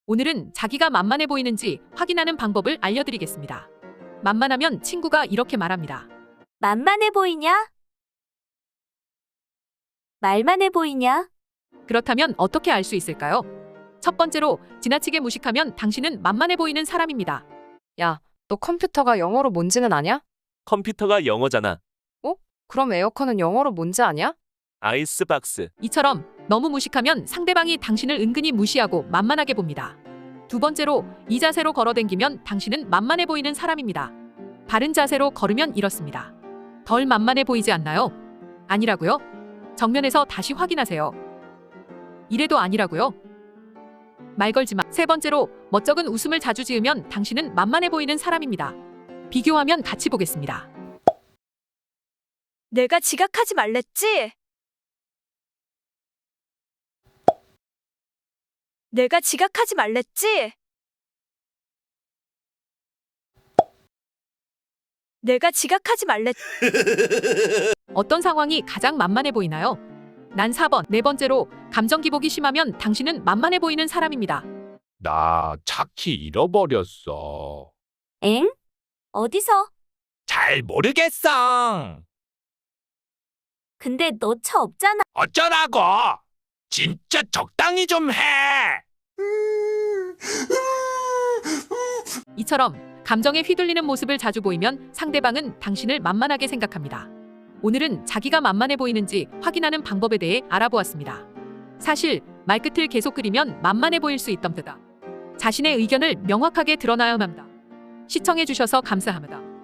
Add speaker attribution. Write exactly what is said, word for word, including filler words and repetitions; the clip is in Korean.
Speaker 1: 오늘은 자기가 만만해 보이는지 확인하는 방법을 알려드리겠습니다. 만만하면 친구가 이렇게 말합니다.
Speaker 2: 만만해 보이냐? 말만해 보이냐?
Speaker 1: 그렇다면 어떻게 알 수 있을까요? 첫 번째로, 지나치게 무식하면 당신은 만만해 보이는 사람입니다.
Speaker 3: 야, 너 컴퓨터가 영어로 뭔지는 아냐?
Speaker 4: 컴퓨터가 영어잖아.
Speaker 3: 그럼 에어컨은 영어로 뭔지 아냐?
Speaker 4: 아이스박스.
Speaker 1: 이처럼 너무 무식하면 상대방이 당신을 은근히 무시하고 만만하게 봅니다. 두 번째로, 이 자세로 걸어댕기면 당신은 만만해 보이는 사람입니다. 바른 자세로 걸으면 이렇습니다. 덜 만만해 보이지 않나요? 아니라고요? 정면에서 다시 확인하세요. 이래도 아니라고요? 말 걸지 마. 세 번째로, 멋쩍은 웃음을 자주 지으면 당신은 만만해 보이는 사람입니다. 비교하면 같이 보겠습니다.
Speaker 2: 내가 지각하지 말랬지? 내가 지각하지 말랬지? 내가 지각하지 말랬...
Speaker 1: 어떤 상황이 가장 만만해 보이나요? 난 사 번. 네 번째로, 감정 기복이 심하면 당신은 만만해 보이는 사람입니다.
Speaker 5: 나 차키 잃어버렸어.
Speaker 2: 엥? 어디서?
Speaker 5: 잘 모르겠어.
Speaker 2: 근데 너 차 없잖아.
Speaker 5: 어쩌라고? 진짜 적당히 좀 해.
Speaker 1: 이처럼 감정에 휘둘리는 모습을 자주 보이면 상대방은 당신을 만만하게 생각합니다. 오늘은 자기가 만만해 보이는지 확인하는 방법에 대해 알아보았습니다. 사실 말끝을 계속 그리면 만만해 보일 수 있답니다. 자신의 의견을 명확하게 드러나야 합니다. 시청해주셔서 감사합니다.